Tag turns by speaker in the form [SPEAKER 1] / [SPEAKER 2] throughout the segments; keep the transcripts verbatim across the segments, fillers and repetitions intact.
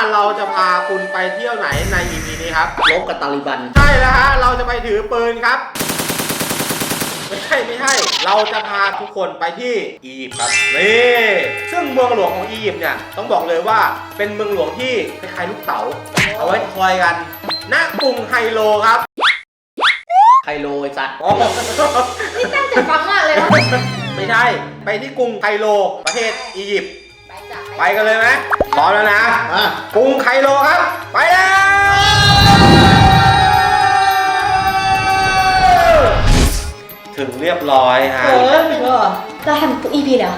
[SPEAKER 1] เราจะพาคุณไปเที่ยวไหนใน อี พี นี้ครับ
[SPEAKER 2] ลบกับตาลิบัน
[SPEAKER 1] ใช่แล้วฮะเราจะไปถือปืนครับไม่ใช่ไม่ใช่เราจะพาทุกคนไปที่อียิปต์ครับนี่ซึ่งเมืองหลวงของอียิปต์เนี่ยต้องบอกเลยว่าเป็นเมืองหลวงที่คล้ายๆลูกเต๋าเอาไว้คอยกันณกรุงไคโรครับ
[SPEAKER 2] ไคโรไอ้สัตว์
[SPEAKER 3] นี่ตั้งใจฟังมากเลยว่า
[SPEAKER 1] ไม่ใช่ไปที่กรุงไคโรประเทศอียิปต์
[SPEAKER 3] ไปจ้ะ
[SPEAKER 1] ไปกันเลยไหมพร้อมแล้วนะกรุงไคโรครับไปแล้วถึงเรียบร้อยฮะ
[SPEAKER 3] โอ้ยเราทำทุก อี พี แล้ว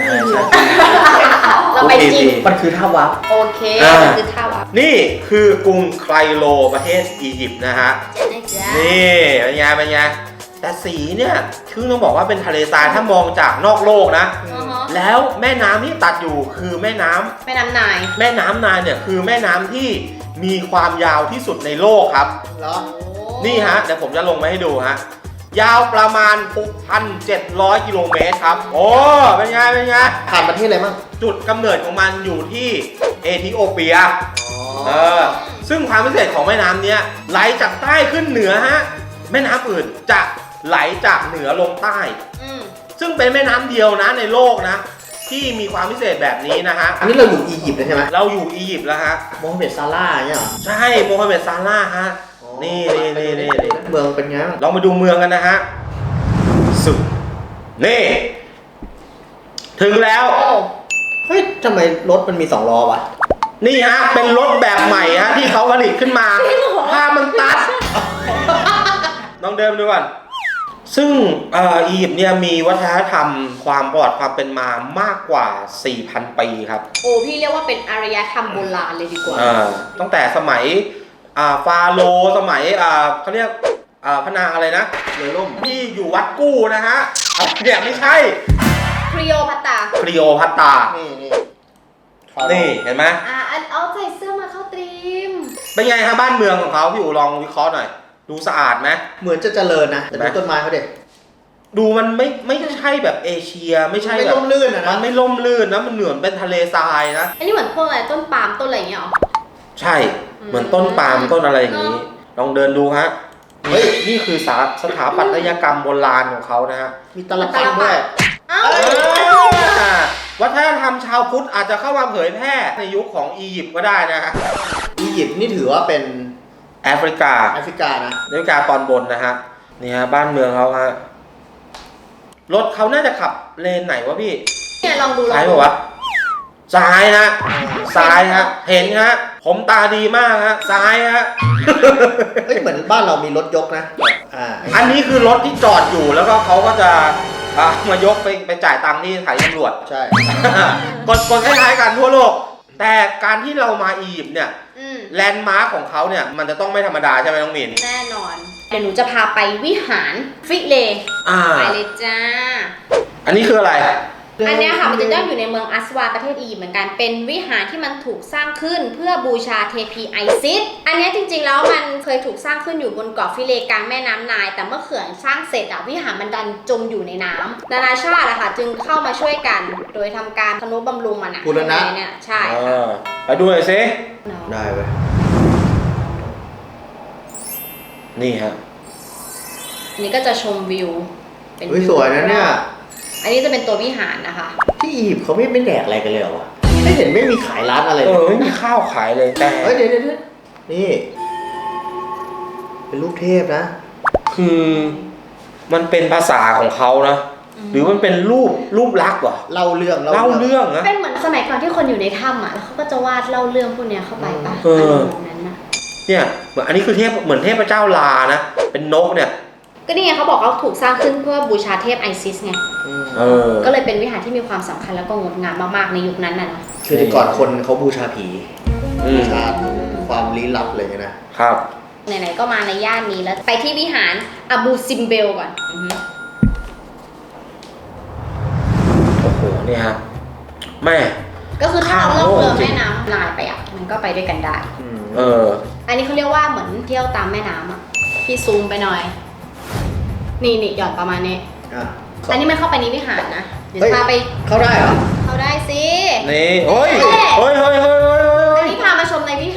[SPEAKER 3] เราไปจริง
[SPEAKER 2] มันคือท่าวับ
[SPEAKER 3] โอเคมันคือท่าวับ
[SPEAKER 1] นี่คือกรุงไคโรประเทศอียิปต์นะฮะนี่เป็นไงเป็นไงแต่สีเนี่ยคือต้องบอกว่าเป็นทะเลทรายถ้ามองจากนอกโลกนะแล้วแม่น้ำที่ตัดอยู่คือแม่น้ำ
[SPEAKER 3] แม่น้ำนาย
[SPEAKER 1] แม่น้ำนายเนี่ยคือแม่น้ำที่มีความยาวที่สุดในโลกครับ
[SPEAKER 2] เหรอ
[SPEAKER 1] นี่ฮะเดี๋ยวผมจะลงมาให้ดูฮะยาวประมาณ หกพันเจ็ดร้อย กิโลเมตรครับโอ้เป็นไงเป็นไง
[SPEAKER 2] ผ่านประเทศอะไรบ้าง
[SPEAKER 1] จุดกำเนิดของมันอยู่ที่เอธิโอเปียเออซึ่งความพิเศษของแม่น้ำเนี้ยไหลจากใต้ขึ้นเหนือฮะแม่น้ำอื่นจะไหลจากเหนือลงใต้ซึ่งเป็นแม่น้ำเดียวนะในโลกนะที่มีความพิเศษแบบนี้นะฮะ
[SPEAKER 2] อันนี้เราอยู่อียิปต์ใช่ไหม
[SPEAKER 1] เราอยู่อียิปต์แล้วฮะ
[SPEAKER 2] โมฮัมเหม็ดซาร่าเนี่ยหรอ
[SPEAKER 1] ใช่โมฮัมเหม็ดซาร่าฮะนี่นี่นี่นี่
[SPEAKER 2] เมืองเป็นไง
[SPEAKER 1] ลองมาดูเมืองกันนะฮะสุดนี่ถึงแล้ว
[SPEAKER 2] เฮ้ยทำไมรถมันมีสองล้อวะ
[SPEAKER 1] นี่ฮะเป็นรถแบบใหม่ฮะที่เขาผลิตขึ้นมาผ้ามันตัดลองเดินดูก่อนซึ่งอียิปต์เนี่ยมีวัฒนธรรมความประวัติความเป็นมามากกว่า สี่พัน ปีครับ
[SPEAKER 3] โอ้พี่เรียกว่าเป็นอารยธรรมโบราณเลยดีกว่า
[SPEAKER 1] ตั้งแต่สมัยฟาโรห์สมัยเขาเรียกพระนางอะไรนะ
[SPEAKER 2] เรือล่ม
[SPEAKER 1] ที่อยู่วัดกู้นะฮะเนี่ยไม่ใช่
[SPEAKER 3] คลีโอพัตตา
[SPEAKER 1] คลีโอพัตตา
[SPEAKER 2] นี่นี่
[SPEAKER 1] นี่เห็นไหม
[SPEAKER 3] อ่าเอาใส่เสื้อมาเข้าตรีม
[SPEAKER 1] เป็นไงครับบ้านเมืองของเขาพี่อู๋ลองวิเคราะห์หน่อยดูสะอาดไหม
[SPEAKER 2] เหมือนจะเจริญนะแต่ดูต้นไม้เขาเด็ก
[SPEAKER 1] ดูมันไม่ไม่ใช่แบบเอเชียไม่ใช่แบบ
[SPEAKER 2] ไม่ล่มลื่นนะ
[SPEAKER 1] มันไม่ล่มลื่นนะมันเหมือนเป็นทะเลทรายนะ
[SPEAKER 3] อันนี้เหมือนพวกอะไรต้นปาล์มต้นอะไรอย่างเงี้ยหรอ
[SPEAKER 1] ใช่เหมือนต้นปาล์มต้นอะไรอย่างนี้ลองเดินดูฮะเฮ้ยนี่คือสถาปัตยกรรมโบราณของเขานะฮะ
[SPEAKER 2] มีตลับด้วย
[SPEAKER 1] วัฒนธรรมชาวพุทธอาจจะเข้ามาเผยแพร่ในยุคของอียิปต์ก็ได้นะฮะ
[SPEAKER 2] อียิปต์นี่ถือว่าเป็น
[SPEAKER 1] แอฟริกา
[SPEAKER 2] แอฟริกานะ
[SPEAKER 1] แอฟริกาตอนบนนะฮะนี่ฮะบ้านเมืองเขาฮะรถเขาน่าจะขับเลนไหนวะพี่
[SPEAKER 3] เนี่ยลองดู
[SPEAKER 1] ซ้ายป่ะวะซ้ายฮะซ้ายฮะเห็นฮะผมตาดีมากฮะซ้ายฮะ
[SPEAKER 2] เฮ้ยเหมือนบ้านเรามีรถยกนะอ่า
[SPEAKER 1] อันนี้คือรถที่จอดอยู่แล้วก็เขาก็จะมายกไปไปจ่ายตังค์ที่สถานีตำรวจ
[SPEAKER 2] ใช่
[SPEAKER 1] กดกดคล้ายๆกันทั่วโลกแต่การที่เรามาอียิปต์เนี่ยแลนด์มาร์คของเขาเนี่ยมันจะต้องไม่ธรรมดาใช่ไหมน้องมิน
[SPEAKER 3] แน่นอนเดี๋ยวหนูจะพาไปวิหารฟิเลไปเลยจ้า
[SPEAKER 1] อันนี้คืออะไร
[SPEAKER 3] อันนี้ค่ะมันจะตั้งอยู่ในเมืองอัสวาประเทศอียิปต์เหมือนกันเป็นวิหารที่มันถูกสร้างขึ้นเพื่อบูชาเทพีไอซิสอันนี้จริงๆแล้วมันเคยถูกสร้างขึ้นอยู่บนเกาะฟิเลกลางแม่น้ำไนล์แต่เมื่อเขื่อนสร้างเสร็จอะวิหารมันดันจมอยู่ในน้ำนานาชาติอะค่ะจึงเข้ามาช่วยกันโดยทำการทนุบำรุงมันอะ
[SPEAKER 2] บูรณะ
[SPEAKER 3] เนี่ยใช่
[SPEAKER 1] ไปดูหน่อยสิ
[SPEAKER 2] ได้เว้ย
[SPEAKER 1] นี่ฮะ
[SPEAKER 3] อันนี้ก็จะชมวิว
[SPEAKER 2] เป็นสวยนะเนี่ย
[SPEAKER 3] อันนี้จะเป็นตัววิหารนะคะ
[SPEAKER 2] ที่อียิปต์เขาไม่ไม่แดกอะไรกันเลยเหรอวะไม่เห็นไม่มีขายร้านอะไร
[SPEAKER 1] เออไม่มีข้าวขายเลยแต่
[SPEAKER 2] เฮ้ยเดี๋ยวเดี๋ยวนี่เป็นรูปเทพนะ
[SPEAKER 1] คือมันเป็นภาษาของเขานะหรือมันเป็นรูปรูปลักษณ์วะ
[SPEAKER 2] เล่าเรื่อง
[SPEAKER 1] เล่าเรื่องนะ
[SPEAKER 3] เป็นเหมือนสมัยก่อนที่คนอยู่ในถ้ำอ่ะแล้วเขาก็จะวาดเล่าเรื่องพวกนี้เข้าไปป่ะ
[SPEAKER 1] เออนั้นนะเนี่ยเหมือนอันนี้คือเทพเหมือนเทพเจ้าลานะเป็นนกเนี่ย
[SPEAKER 3] ก็นี่ไงเขาบอกเขาถูกสร้างขึ้นเพื่อบูชาเทพไอซิสไงก็เลยเป็นวิหารที่มีความสำคัญแล้วก็งดงามมากๆในยุคนั้นน่ะนะ
[SPEAKER 2] คือแต่ก่อนคนเขาบูชาผีบูชาความลี้ลับอะไรเงี้ย
[SPEAKER 1] นะครับ
[SPEAKER 3] ไหนๆก็มาในย่านนี้แล้วไปที่วิหารอาบูซิมเบลก่อน
[SPEAKER 1] โอ้โหเนี่ยฮะแม่
[SPEAKER 3] ก็คือถ้าเราล่องเรือแม่น้ำลายไปอ่ะมันก็ไปด้วยกันได้
[SPEAKER 1] เออ
[SPEAKER 3] อันนี้เขาเรียกว่าเหมือนเที่ยวตามแม่น้ำอ่ะพี่ซูมไปหน่อยนี่นี่หย่อนประมาณนี้อันนี้มันเข้าไปในวิหารนะเดี๋ยวพาไป
[SPEAKER 2] เข้าได้เหรอ
[SPEAKER 3] เข้าได้สิ
[SPEAKER 1] นี่โอ้ยโอ้ยโอ้ยโอ้ย
[SPEAKER 3] อันนี้พามาชม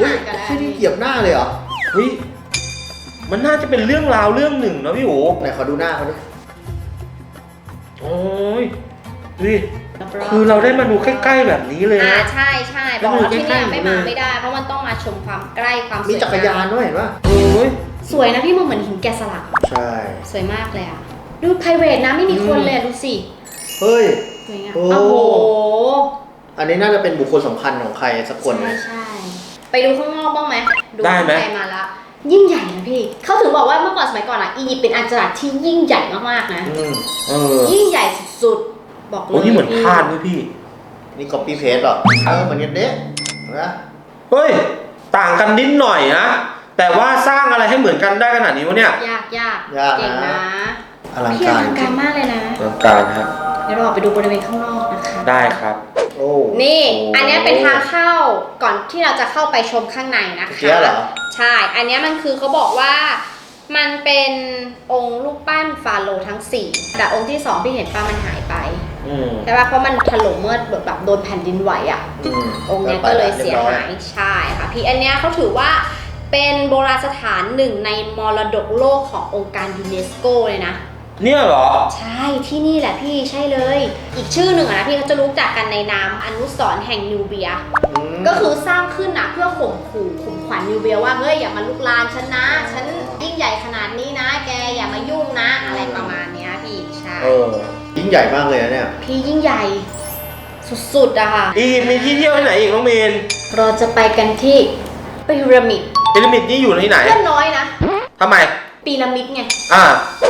[SPEAKER 3] ห่างกันแล้ว
[SPEAKER 2] ที่นี่เหยียบหน้าเลยเหรอ
[SPEAKER 1] เฮ้ยมันน่าจะเป็นเรื่องราวเรื่องหนึ่งนะพี่โอ๋
[SPEAKER 2] ไหนขอดูหน้าเขาดิ
[SPEAKER 1] โอ้ยดูดิคือเราได้มาดูใกล้ๆแบบนี้เลย
[SPEAKER 3] อ่า
[SPEAKER 1] นะ
[SPEAKER 3] ใช่ใช่บอกว่าที่เนี่ยไม่มาไม่ได้ เพราะมันต้องมาชมความใกล้ความสวย
[SPEAKER 2] มีจักรยานด้วยเห็นปะ
[SPEAKER 1] โอ้ย
[SPEAKER 3] สวยนะพี่มันเหมือนหินแกะสลัก
[SPEAKER 2] ใช่
[SPEAKER 3] สวยมากเลยอ่ะดู private นะไม่มีคนเลยอะดูสิ
[SPEAKER 2] เฮ้ย
[SPEAKER 3] สวยงาม
[SPEAKER 2] โอ้
[SPEAKER 3] โอ้โห
[SPEAKER 2] อันนี้น่าจะเป็นบุคคลสำคัญของใครสักคน
[SPEAKER 3] ใช่
[SPEAKER 2] เลย
[SPEAKER 3] ใช่ไปดูข้างนอกบ้างไหมดู
[SPEAKER 1] ได้ไหม
[SPEAKER 3] ข้างในมาละยิ่งใหญ่นะพี่เขาถึงบอกว่าเมื่อก่อนสมัยก่อนอ่ะอียิปต์เป็นอาณาจักรที่ยิ่งใหญ่มากๆนะ
[SPEAKER 2] อืม
[SPEAKER 1] เออ
[SPEAKER 3] ยิ่งใหญ่สุดๆบอกเลย
[SPEAKER 1] โอ้นี่เหมือนธาตุด้วยพี่
[SPEAKER 2] นี่ copy paste หรอเออเหมือนกันเด้นะ
[SPEAKER 1] เฮ้ยต่างกันนิดหน่อยนะแต่ว่าสร้างอะไรให้เหมือนกันได้ขนาดนี้วะเนี่ย
[SPEAKER 3] ยากยาก
[SPEAKER 2] ยาก
[SPEAKER 3] เก่ง
[SPEAKER 2] นะ
[SPEAKER 3] นะ
[SPEAKER 2] อลัง
[SPEAKER 3] พี่อ
[SPEAKER 2] การ
[SPEAKER 3] ลังการมากเลยนะ
[SPEAKER 1] ต้องการครับ
[SPEAKER 3] เดี๋ยวเราออกไปดูบริเวณข้างนอกนะคะ
[SPEAKER 1] ได้ครับ
[SPEAKER 2] โอ้
[SPEAKER 3] นี่
[SPEAKER 1] โอ้
[SPEAKER 3] อันเนี้ยเป็นทางเข้าก่อนที่เราจะเข้าไปชมข้างในนะ
[SPEAKER 2] เมื่อกี้
[SPEAKER 3] คะ
[SPEAKER 2] เหรอ
[SPEAKER 3] ใช่ อันเนี้ยมันคือเขาบอกว่ามันเป็นองค์รูปปั้นฟาโรห์ทั้งสี่แต่องค์ที่สองที่เห็นป้ามันหายไป
[SPEAKER 1] อืม
[SPEAKER 3] ใช่ป่ะเพราะมันถล่มเมื่อแบบโดนแผ่นดินไหวอ่ะ
[SPEAKER 2] อืม
[SPEAKER 3] องค์เนี้ยก็เลยเสียหายใช่ค่ะพี่อันเนี้ยเขาถือว่าเป็นโบราณสถานหนึ่งในมรดกโลกขององค์การยูเนสโกเลยนะ
[SPEAKER 1] เนี่ยเหรอ
[SPEAKER 3] ใช่ที่นี่แหละพี่ใช่เลย อีกชื่อหนึ่งอะนะพี่เขาจะรู้จักกันในนามอนุสรณ์แห่งนิวเบีย
[SPEAKER 2] ม
[SPEAKER 3] ก็คือสร้างขึ้นนะเพื่อข่มขู่ข่มขวัญนิวเบียว่าเฮ้ยอย่ามาลุกลานฉันนะฉันยิ่งใหญ่ขนาดนี้นะ แกอย่ามายุ่งนะ อะไรประมาณเนี้ยพี่ใช่
[SPEAKER 2] เออยิ่งใหญ่มากเลยนะเนี่ย
[SPEAKER 3] พี่ยิ่งใหญ่สุดๆอะค่ะ
[SPEAKER 1] อียิปต์มีที่เที่ยวที่ไหนอีกน้องมีน
[SPEAKER 3] เราจะไปกันที่พีระมิด
[SPEAKER 1] พีระมิดนี่อยู่ที่ไหน
[SPEAKER 3] เพื่อนน้อยนะ
[SPEAKER 1] ทำไม
[SPEAKER 3] พีระมิดไง
[SPEAKER 1] อ่า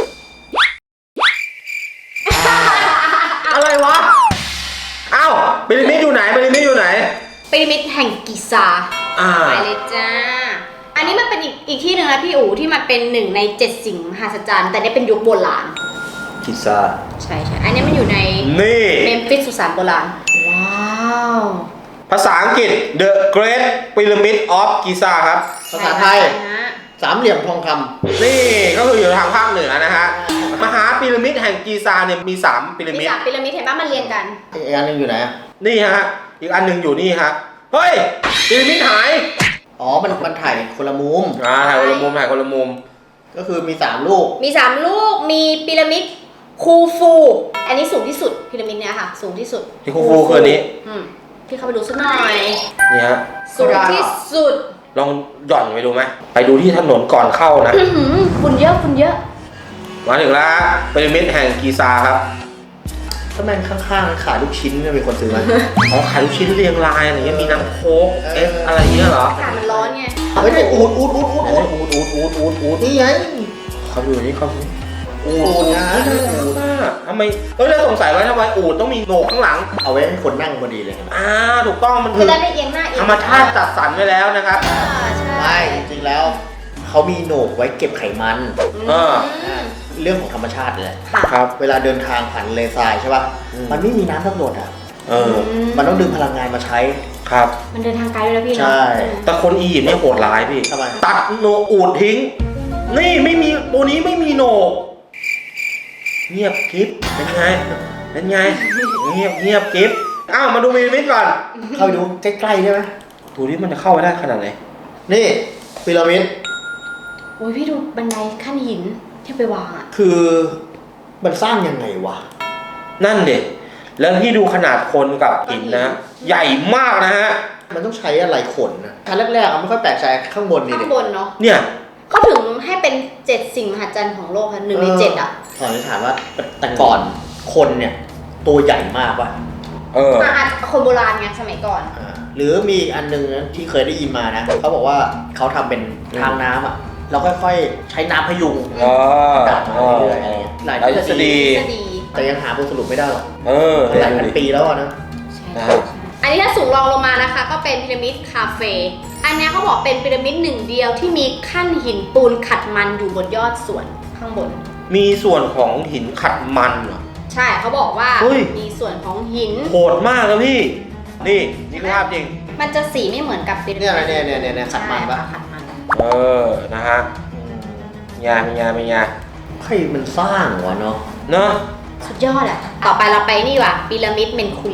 [SPEAKER 1] อะไรวะอ้าวพีระมิดอยู่ไหนพีระมิดอยู่ไหน
[SPEAKER 3] พีระมิดแห่งกิซา
[SPEAKER 1] อ่า
[SPEAKER 3] ไปเลยจ้า อันนี้มันเป็นอีกอีกที่หนึ่งนะพี่อู๋ที่มันเป็นหนึ่งในเจ็ดสิ่งมหัศจรรย์แต่เนี่ยเป็นยุคโบราณ
[SPEAKER 2] กิซา
[SPEAKER 3] ใช่ใช่อันนี้มันอยู่ใน
[SPEAKER 1] นี่
[SPEAKER 3] เมมฟิสสุสานโบราณ ว้าว
[SPEAKER 1] ภาษาอังกฤษ The Great Pyramid of Giza ครับ
[SPEAKER 2] ภาษาไทย
[SPEAKER 3] ใช่ฮะ
[SPEAKER 2] สามเหลี่ยมทองค
[SPEAKER 1] นี่ก็คืออยู่ทางภาคเหนือนะฮะ มหาพีระมิดแห่งกีซาเนี่ยมีสามพีระ
[SPEAKER 3] มี
[SPEAKER 1] มิด
[SPEAKER 3] สามพีระมิดเห็นป่ะมันเรียงกัน
[SPEAKER 2] ำอีกอันหนึงอยู่ไหนอะ
[SPEAKER 1] นี่ฮะ อีกอันหนึ่งอยู่นี่ฮะ เฮ้ยพีระมิดหาย
[SPEAKER 2] อ๋อมันมันถ่ายคนละมุม
[SPEAKER 1] อ่าถ่ายคนละมุมถ่ายคนละมุม
[SPEAKER 2] ก็คือมีสามลูก
[SPEAKER 3] มีสามลูก มีพีระมิดคูฟู อันนี้สูงที่สุดพีระมิดเนี้ยค่ะ สูงที่สุด
[SPEAKER 1] ที่คูฟูคืออันนี้
[SPEAKER 3] อืมพี่เข้าไปดูสักหน่อย
[SPEAKER 1] นี่ฮะ
[SPEAKER 3] สูงที่สุด
[SPEAKER 1] ลองหย่อนไปดูไหม ไปดูที่ถนนก่อนเข้านะ
[SPEAKER 3] อื้อหือฝุ่นเยอะฝุ่นเยอะ
[SPEAKER 1] มาถึงแล้วพีระมิดแห่งกีซาครับ
[SPEAKER 2] ถ้าแม่งข้างๆขายลูกชิ้นเนี่ยมีคนซื้อไหม
[SPEAKER 1] อ๋อขายลูกชิ้นเรียงรายอะไรเงี้ย มีน้ำโค้กเอสอะไรเงี้ยเหรอ
[SPEAKER 3] อากาศมันร้อนไง
[SPEAKER 2] เฮ้ยอูดอูดอูดอูดอูดอูดอูดอูดอูดอูดนี่ไง
[SPEAKER 1] เขาดูนี่เขาดูอู
[SPEAKER 2] อู
[SPEAKER 1] ด
[SPEAKER 2] ดนะ
[SPEAKER 1] อูดทำไมเอ้ยเราสงสัยว่าทำไมอูดต้องมีโหนกข้างหลัง
[SPEAKER 2] เอาไว้ให้คนนั่งพอดีเลย
[SPEAKER 1] อ่าถูกต้องมัน
[SPEAKER 3] จะ
[SPEAKER 1] คือ
[SPEAKER 3] ได้ไม่เอียงหน้าเอียง
[SPEAKER 1] ธรรมชาติจัดสรรไว้แล้วนะครับ
[SPEAKER 3] อ่าใช่
[SPEAKER 2] ไม่จริงๆแล้วเขามีโหนกไว้เก็บไขมัน
[SPEAKER 1] เออ
[SPEAKER 3] ม
[SPEAKER 2] เรื่องของธรรมชาติเลย
[SPEAKER 3] ค่ะ
[SPEAKER 1] ครับ
[SPEAKER 2] เวลาเดินทางผ่านเลทรายใช่ป่ะ
[SPEAKER 1] อืม
[SPEAKER 2] มันไม่มีน้ำสักหยดอ่ะ
[SPEAKER 1] เออ
[SPEAKER 2] มันต้องดึงพลังงานมาใช้
[SPEAKER 1] ครับ
[SPEAKER 3] มันเดินทางไกลด้วยนะพี่เนาะ
[SPEAKER 2] ใช่
[SPEAKER 1] แต่คนอียิปต์เนี่ยโหดร้ายพี่
[SPEAKER 2] ทำไม
[SPEAKER 1] ตัดโหนกอูดทิ้ง นี่ไม่มีตัวนี้ไม่มีโหนก เงียบกริฟเป็นไง เป็นไง เงียบเงียบกริฟอ้าวมาดูพีระมิดก่อน
[SPEAKER 2] เข้าไปดูใกล้ๆได้ไหม
[SPEAKER 1] ดูที่มันจะเข้าไปได้ขนาดไหน
[SPEAKER 2] นี่พีระมิด
[SPEAKER 3] โอ้ยพี่ดูบันไดขั้นหินที่ไปวางอ่ะ
[SPEAKER 2] คือมันสร้างยังไงวะ
[SPEAKER 1] นั่นเด็กแล้วพี่ดูขนาดคนกับหินนะ ใหญ่มากนะฮะ
[SPEAKER 2] มันต้องใช้อะไรขนนะชั้นแรกๆอะไม่ค่อยแปลกใจข้างบนนี่
[SPEAKER 3] ข้า
[SPEAKER 2] ดิ
[SPEAKER 3] งบนเนาะ
[SPEAKER 1] เนี่ย
[SPEAKER 3] เขาถึงให้เป็นเจ็ดสิ่งมหัศจรรย์ของโลกค่ะหนึ่งในเจ็ดอ่ะ
[SPEAKER 2] ขออนุญาตว่าแต่ก่อนคนเนี่ยตัวใหญ่มากว่ะ
[SPEAKER 1] เออ
[SPEAKER 3] อ่ะอ่ะคนโบราณไงสมัยก่อน
[SPEAKER 2] อ่าหรือมีอีกอันหนึงนะที่เคยได้ยินมานะเขาบอกว่าเขาทำเป็นทางน้ำอ่ะเราค่อยๆใช้น้ำพยุง
[SPEAKER 1] เออ
[SPEAKER 2] ดับมาเรื่อยๆอะไรเงี้ยหลาย
[SPEAKER 1] หลายทฤษฎี
[SPEAKER 3] ทฤษฎี
[SPEAKER 2] แต่ยังหาบทสรุปไม่ได้หรอก
[SPEAKER 1] เออ
[SPEAKER 2] หลายพันปีแล้วอะนะ
[SPEAKER 3] ใช่
[SPEAKER 1] นะ
[SPEAKER 3] ใช่อันนี้ถ้าสูงรองลงมานะคะ ก็เป็นพีระมิดคาเฟ่อันเนี้ยเขาบอกเป็นพีระมิดหนึ่งเดียวที่มีขั้นหินปูนขัดมันอยู่บนยอดส่วนข้างบน
[SPEAKER 1] มีส่วนของหินขัดมันเหรอ
[SPEAKER 3] ใช่เขาบอกว่า
[SPEAKER 1] เฮ้ย
[SPEAKER 3] มีส่วนของหิน
[SPEAKER 1] โหดมากเลยพี่ นี่นี่คือภาพจริง
[SPEAKER 3] มันจะสีไม่เหมือนกับพีระมิด
[SPEAKER 2] เนี่ยเนี่ยเนี่ยเนี่ยเนี่ยขัดมันปะ
[SPEAKER 3] ใช่ขัดมัน
[SPEAKER 1] เออ นะฮะยาเป็นยาเป็นยา
[SPEAKER 2] ใครมันสร้างวะเนาะ
[SPEAKER 1] เนาะ
[SPEAKER 3] สุดยอดอ่ะ ต่อไปเราไปนี่ว่ะพีระมิดเมนคูเล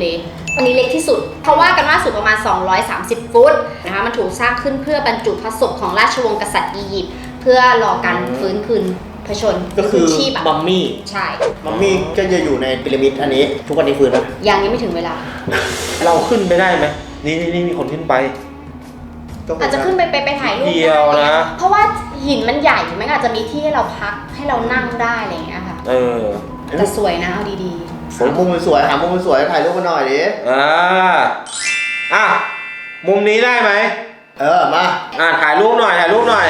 [SPEAKER 3] อันนี้เล็กที่สุด เพราะว่ากันว่าสูงประมาณ สองร้อยสามสิบ ฟุตนะคะมันถูกสร้างขึ้นเพื่อบรรจุพระศพของราชวงศ์กษัตริย์อียิปต์เพื่อรอการฟื้นคืนพระชน
[SPEAKER 2] ก็คือ
[SPEAKER 3] ชีพอะ
[SPEAKER 2] มัมมี่
[SPEAKER 3] ใช่
[SPEAKER 2] มัมมี่ก็จะอยู่ในพีระมิดอันนี้ ทุกวันนี้ฟื้นไหม
[SPEAKER 3] ยังยังไม่ถึงเวลา
[SPEAKER 1] เราขึ้นไปได้ไหมนี่นี่นี่มีคนขึ้นไป
[SPEAKER 3] อาจจะขึ้นไปไปไปถ่ายรูป
[SPEAKER 1] เดียวนะ
[SPEAKER 3] เพราะว่าหินมันใหญ่มันอาจจะมีที่ให้เราพักให้เรานั่งได้อะไรอย่างเงี้ยค่ะ
[SPEAKER 1] เออ
[SPEAKER 3] แต่สวยนะเอาดี
[SPEAKER 2] หามุมสวยๆหามุมสวยๆถ่ายรูปมาหน่อยดิ
[SPEAKER 1] อ่าอ่ะมุมนี้ได้ไหม
[SPEAKER 2] เออ มา
[SPEAKER 1] อ่ะถ่ายรูปหน่อยถ่ายรูปหน่อย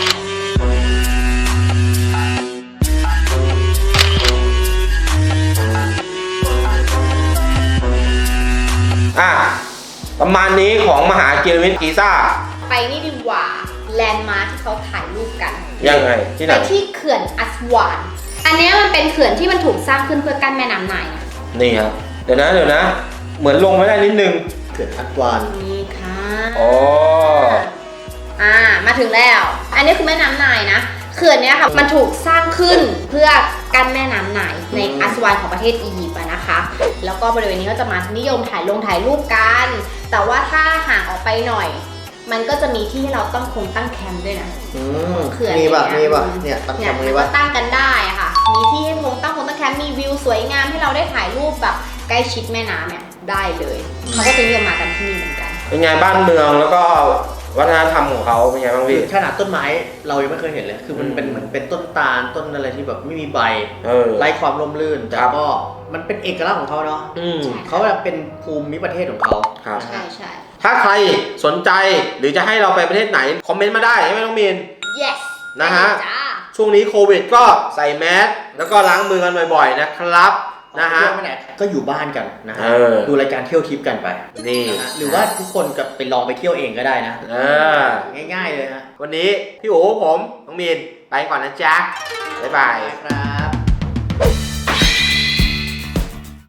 [SPEAKER 1] อ่ะประมาณนี้ของมหาพีระมิดกิซ่า
[SPEAKER 3] ๆ ไปนี่ดีกว่าแลนด์มาร์คที่เขาถ่ายรูปกัน
[SPEAKER 1] ยังไงที่ไห
[SPEAKER 3] ไป
[SPEAKER 1] น
[SPEAKER 3] ที่เขื่อนอัสวาน อันเนี้ยมันเป็นเขื่อนที่มันถูกสร้างขึ้นเพื่อกั้นแม่น้ำไนล์นะ
[SPEAKER 1] นี่ครับเดี๋ยวนะเดี๋ยวนะ เหมือนลงไม่ได้นิดนึง
[SPEAKER 2] เขื่อนอัดวาน
[SPEAKER 3] นี่ค่ะ
[SPEAKER 1] อ๋อ
[SPEAKER 3] อ่ามาถึงแล้ว อันนี้คือแม่น้ำไนล์นะเขื่อนเนี้ยค่ะมันถูกสร้างขึ้นเพื่อกั้นแม่น้ำไนล์ในอัสวานของประเทศอียิปต์อะนะคะ แล้วก็บริเวณนี้ก็จะมานิยมถ่ายลงถ่ายรูปกัน แต่ว่าถ้าห่างออกไปหน่อย มันก็จะมีที่ให้เราต้องคงตั้งแคมป์ด้วยนะ
[SPEAKER 2] อืม
[SPEAKER 3] เขื่อน
[SPEAKER 2] มีป่ะ
[SPEAKER 3] เนี่ย
[SPEAKER 2] มีป่ะ เนี่ยตั้ง
[SPEAKER 3] เนี่
[SPEAKER 2] แค
[SPEAKER 3] ย
[SPEAKER 2] มป์
[SPEAKER 3] มัน
[SPEAKER 2] มี
[SPEAKER 3] ก็
[SPEAKER 2] ป่ะ
[SPEAKER 3] ตั้งกันได้อะค่ะ มีที่ให้คงตั้งคงตั้งแคมป์มีวิวสวยงามให้เราได้ถ่ายรูปแบบใกล้ชิดแม่น้ำเนี่ยได้เลยเขาก็จะนิยมมากันที่นี่เหมือนกัน
[SPEAKER 1] เป็นไงบ้านเมืองแล้วก็วัฒนธรรมของเขาเป็นไงบ้าง
[SPEAKER 2] คือ
[SPEAKER 1] พี่
[SPEAKER 2] ขนาดต้นไม้เรายังไม่เคยเห็นเลย คือมัน
[SPEAKER 1] อืม
[SPEAKER 2] เป็นเหมือนเป็นต้นตาลต้นอะไรที่แบบไม่มีใบ
[SPEAKER 1] เออ
[SPEAKER 2] ไร้ความร่มรื่น แต่
[SPEAKER 1] ครับ
[SPEAKER 2] ก็มันเป็นเอกลักษณ์ของเขาเนาะ
[SPEAKER 1] อืม
[SPEAKER 2] เขาแบบเป็นภูมิประเทศของเขา
[SPEAKER 1] ครับ
[SPEAKER 3] ใช่ใช่
[SPEAKER 1] ถ้าใครสนใจหรือจะให้เราไปประเทศไหน คอมเมนต์มาได้ใช่ไหมน้องมีน
[SPEAKER 3] yes
[SPEAKER 1] นะฮะ
[SPEAKER 3] ได้จ้า
[SPEAKER 1] ช่วงนี้โควิดก็ใส่แมสแล้วก็ล้างมือกันบ่อยๆนะครับนะฮะ
[SPEAKER 2] เที่ยวไปไหนก็อยู่บ้านกันนะฮะ
[SPEAKER 1] เออ
[SPEAKER 2] ดูรายการเที่ยวทิปกันไป
[SPEAKER 1] นี่
[SPEAKER 2] นะฮะหรือว่าทุกคนก็ไปลองไปเที่ยวเองก็ได้นะ
[SPEAKER 1] เออ
[SPEAKER 2] ง่ายๆเลยฮะ
[SPEAKER 1] วันนี้พี่โอ๋ผมน้องมีนไปก่อนนะจ๊ะบ๊ายบาย
[SPEAKER 2] ครับ